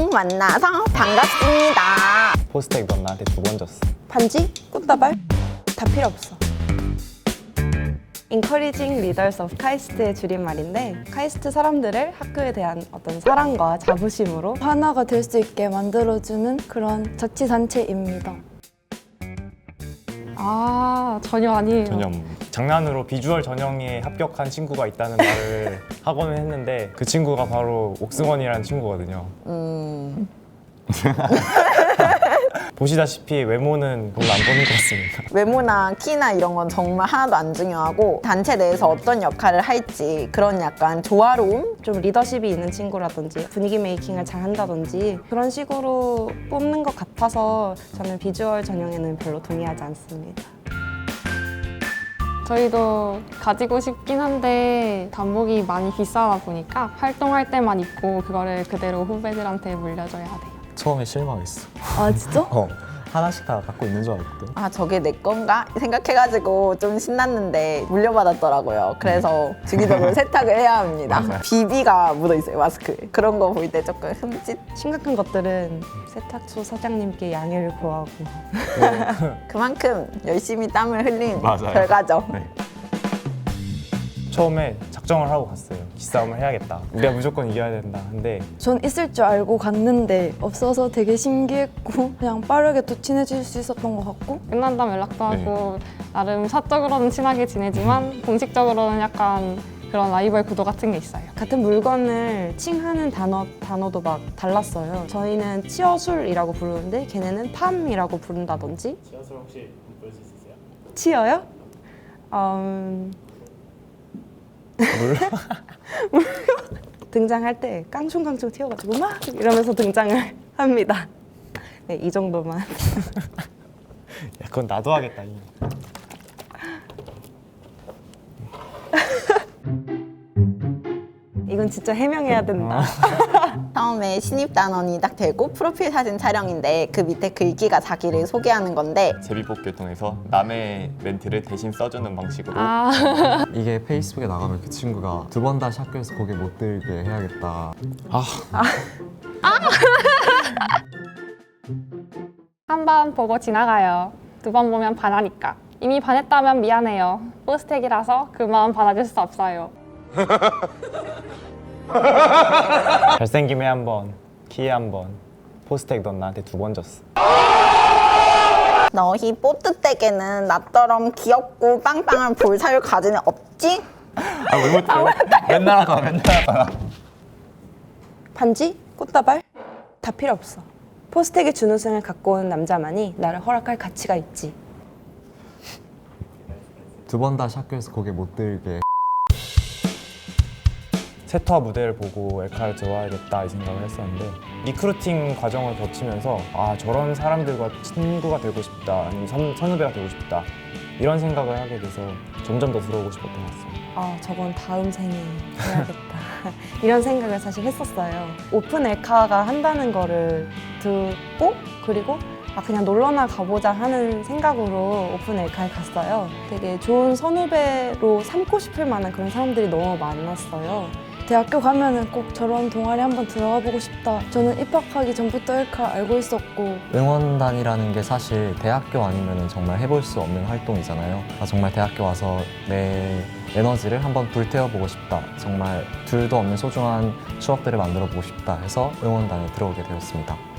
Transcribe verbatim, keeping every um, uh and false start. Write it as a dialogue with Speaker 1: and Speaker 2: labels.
Speaker 1: 처음 만나서 반갑습니다.
Speaker 2: 포스텍 넌 나한테 두 번 줬어.
Speaker 3: 반지? 꽃다발? 다 필요 없어. Encouraging Leaders of 카이스트의 줄임말인데 카이스트 사람들을 학교에 대한 어떤 사랑과 자부심으로
Speaker 4: 하나가 될 수 있게 만들어주는 그런 자치단체입니다.
Speaker 5: 아, 전혀 아니에요.
Speaker 2: 전염. 장난으로 비주얼 전형에 합격한 친구가 있다는 말을 하고는 했는데 그 친구가 바로 옥승원이라는 친구거든요.
Speaker 1: 음...
Speaker 2: 보시다시피 외모는 별로 안 보는 것 같습니다.
Speaker 1: 외모나 키나 이런 건 정말 하나도 안 중요하고 단체 내에서 어떤 역할을 할지 그런 약간 조화로움?
Speaker 3: 좀 리더십이 있는 친구라든지 분위기 메이킹을 잘 한다든지 그런 식으로 뽑는 것 같아서 저는 비주얼 전형에는 별로 동의하지 않습니다.
Speaker 5: 저희도 가지고 싶긴 한데 단복이 많이 비싸다 보니까 활동할 때만 입고 그거를 그대로 후배들한테 물려줘야 돼요.
Speaker 6: 처음에 실망했어.
Speaker 4: 아 진짜?
Speaker 6: 어, 하나씩 다 갖고 있는 줄 알았거든.
Speaker 1: 아 저게 내 건가? 생각해가지고 좀 신났는데 물려받았더라고요. 그래서 주기적으로 세탁을 해야 합니다.
Speaker 2: 맞아요.
Speaker 1: 비비가 묻어있어요 마스크에. 그런 거 볼 때 조금 흠칫.
Speaker 3: 심각한 것들은 세탁소 사장님께 양해를 구하고
Speaker 1: 그만큼 열심히 땀을 흘린
Speaker 2: 맞아요.
Speaker 1: 결과죠.
Speaker 2: 네. 처음에 작정을 하고 갔어요. 기싸움을 해야겠다. 우리가 무조건 이겨야 된다. 근데
Speaker 4: 전 있을 줄 알고 갔는데 없어서 되게 신기했고 그냥 빠르게 또 친해질 수 있었던 것 같고
Speaker 5: 끝난 다음 연락도 하고 나름 사적으로는 친하게 지내지만 공식적으로는 약간 그런 라이벌 구도 같은 게 있어요.
Speaker 3: 같은 물건을 칭하는 단어, 단어도 막 달랐어요. 저희는 치어술이라고 부르는데 걔네는 팜이라고 부른다든지.
Speaker 7: 치어술 혹시 볼 수 있으세요?
Speaker 3: 치어요? 음... 등장할 때 깡충깡충 튀어가지고 막 이러면서 등장을 합니다. 네, 이 정도만.
Speaker 2: 야, 그건 나도 하겠다. 이.
Speaker 3: 이건 진짜 해명해야 된다.
Speaker 1: 처음에 신입단원이 딱 되고 프로필 사진 촬영인데 그 밑에 글귀가 자기를 소개하는 건데
Speaker 8: 제비뽑기를 통해서 남의 멘트를 대신 써주는 방식으로
Speaker 5: 아,
Speaker 6: 이게 페이스북에 나가면 그 친구가 두 번 다시 학교에서 고개 못 들게 해야겠다.
Speaker 5: 한 번 보고 지나가요. 두 번 보면 반하니까. 이미 반했다면 미안해요. 포스텍이라서 그 마음 받아줄 수 없어요.
Speaker 2: 잘생김에 한 번, 키에 한 번, 포스텍 넌 나한테 두 번 줬어.
Speaker 1: 너희 뽀뜨댁에는 나처럼 귀엽고 빵빵한 볼살을 가진 애 없지?
Speaker 2: 아, 왜 못해? 맨날 하잖아, 맨날 하잖아.
Speaker 3: 반지? 꽃다발? 다 필요 없어. 포스텍의 준우승을 갖고 온 남자만이 나를 허락할 가치가 있지.
Speaker 6: 두 번 다시 학교에서 고개 못 들게.
Speaker 2: 세터 무대를 보고 엘카를 들어와야겠다 이 생각을 했었는데 리크루팅 과정을 거치면서 아 저런 사람들과 친구가 되고 싶다 아니면 선, 선후배가 되고 싶다 이런 생각을 하게 돼서 점점 더 들어오고 싶었던 것 같습니다.
Speaker 3: 아, 저건 다음 생에 해야겠다. 이런 생각을 사실 했었어요. 오픈 엘카가 한다는 거를 듣고 그리고 아, 그냥 놀러나 가보자 하는 생각으로 오픈 엘카에 갔어요. 되게 좋은 선후배로 삼고 싶을 만한 그런 사람들이 너무 많았어요.
Speaker 4: 대학교 가면은 꼭 저런 동아리 한번 들어가 보고 싶다. 저는 입학하기 전부터 엘카 알고 있었고
Speaker 6: 응원단이라는 게 사실 대학교 아니면 정말 해볼 수 없는 활동이잖아요. 아, 정말 대학교 와서 내 에너지를 한번 불태워보고 싶다. 정말 둘도 없는 소중한 추억들을 만들어 보고 싶다 해서 응원단에 들어오게 되었습니다.